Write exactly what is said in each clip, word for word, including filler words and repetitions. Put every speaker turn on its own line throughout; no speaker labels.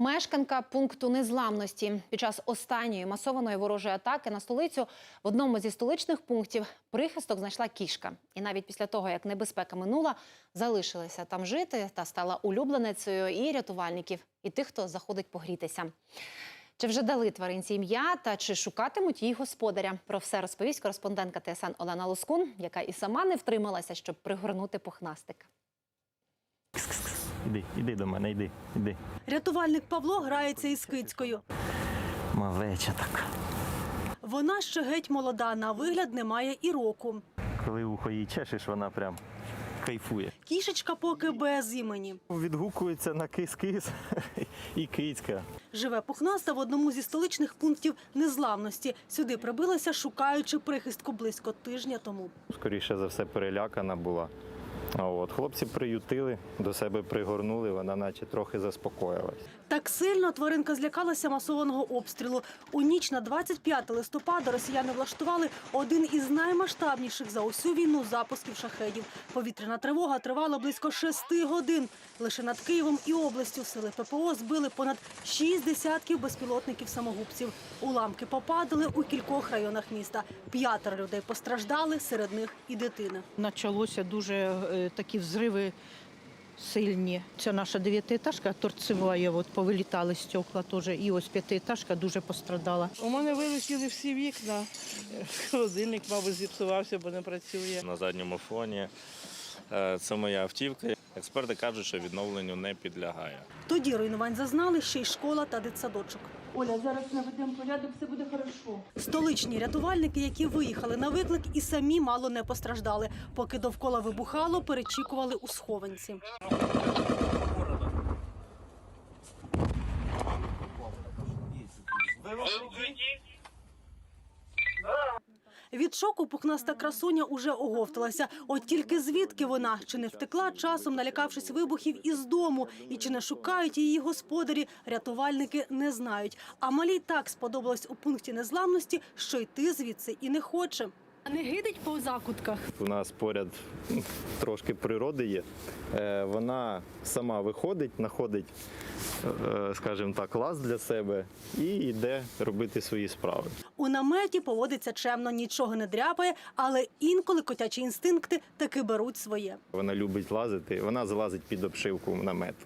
Мешканка пункту незламності. Під час останньої масованої ворожої атаки на столицю в одному зі столичних пунктів прихисток знайшла кішка. І навіть після того, як небезпека минула, залишилася там жити та стала улюбленицею і рятувальників, і тих, хто заходить погрітися. Чи вже дали тваринці ім'я та чи шукатимуть її господаря? Про все розповість кореспондентка Т С Н Олена Лоскун, яка і сама не втрималася, щоб пригорнути пухнастика.
Іди, іди до мене, іди, іди.
Рятувальник Павло грається із кицькою.
Мавеча така.
Вона ще геть молода, на вигляд не має і року.
Коли ухо їй чешеш, вона прям кайфує.
Кішечка поки без імені.
Відгукується на кис-кис і кицька.
Живе пухнаста в одному зі столичних пунктів незламності. Сюди прибилася, шукаючи прихистку близько тижня тому.
Скоріше за все перелякана була. А от хлопці приютили, до себе пригорнули, вона наче трохи заспокоїлась.
Так сильно тваринка злякалася масованого обстрілу. У ніч на двадцять п'яте листопада росіяни влаштували один із наймасштабніших за усю війну запусків шахедів. Повітряна тривога тривала близько шести годин. Лише над Києвом і областю сили П П О збили понад шість десятків безпілотників-самогубців. Уламки попадали у кількох районах міста. П'ятеро людей постраждали, серед них і дитина.
Почалося дуже е, такі взриви сильні. Це наша дев'ятиетажка торцева, от повилітали стекла теж. І ось п'ятиетажка дуже пострадала.
У мене вилетіли всі вікна. Холодильник, мабуть, зіпсувався, бо не працює.
На задньому фоні це моя автівка. Експерти кажуть, що відновленню не підлягає.
Тоді руйнувань зазнали ще й школа та дитсадочок. Оля, зараз наведемо порядок, все буде хорошо. Столичні рятувальники, які виїхали на виклик, і самі мало не постраждали. Поки довкола вибухало, перечікували у схованці. Від шоку пухнаста красуня уже оговталася. От тільки звідки вона? Чи не втекла часом, налякавшись вибухів із дому? І чи не шукають її господарі? Рятувальники не знають. А малій так сподобалось у пункті незламності, що йти звідси і не хоче. А не гидить по закутках?
У нас поряд трошки природи є. Вона сама виходить, знаходить, скажімо так, лаз для себе і йде робити свої справи.
У наметі поводиться чемно, нічого не дряпає, але інколи котячі інстинкти таки беруть своє.
Вона любить лазити, вона залазить під обшивку намету.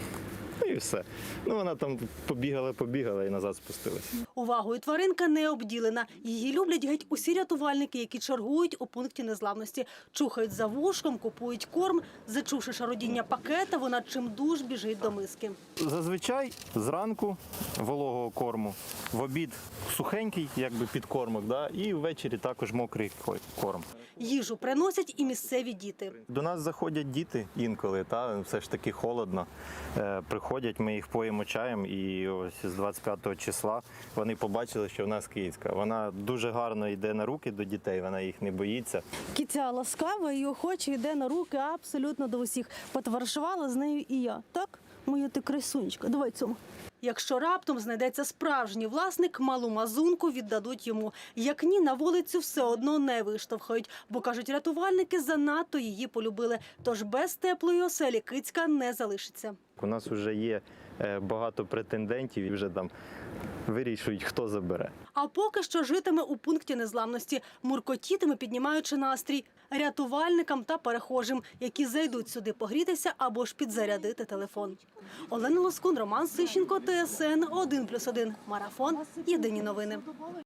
І все. Ну, вона там побігала, побігала і назад спустилася.
Увагою тваринка не обділена. Її люблять геть усі рятувальники, які чергують у пункті незламності. Чухають за вушком, купують корм. Зачувши шародіння пакета, вона чимдуж біжить до миски.
Зазвичай зранку вологого корму, в обід сухенький, якби підкормок, да? І ввечері також мокрий корм.
Їжу приносять і місцеві діти.
До нас заходять діти інколи, та все ж таки холодно. Е, приходять, ми їх поїмо чаєм, і ось з двадцять п'ятого числа вони побачили, що в нас кицька. Вона дуже гарно йде на руки до дітей, вона їх не боїться.
Киця ласкава і охоче йде на руки абсолютно до усіх. Потоваришувала з нею і я. Так, моя ти красунечка, давай цьому. Якщо раптом знайдеться справжній власник, малу мазунку віддадуть йому. Як ні, на вулицю все одно не виштовхають, бо, кажуть рятувальники, занадто її полюбили. Тож без теплої оселі кицька не залишиться.
У нас вже є багато претендентів і вже там вирішують, хто забере.
А поки що житиме у пункті незламності, муркотітиме, піднімаючи настрій рятувальникам та перехожим, які зайдуть сюди погрітися або ж підзарядити телефон. Олена Лоскун, Роман Сищенко, Т С Н один плюс один. Марафон. Єдині новини.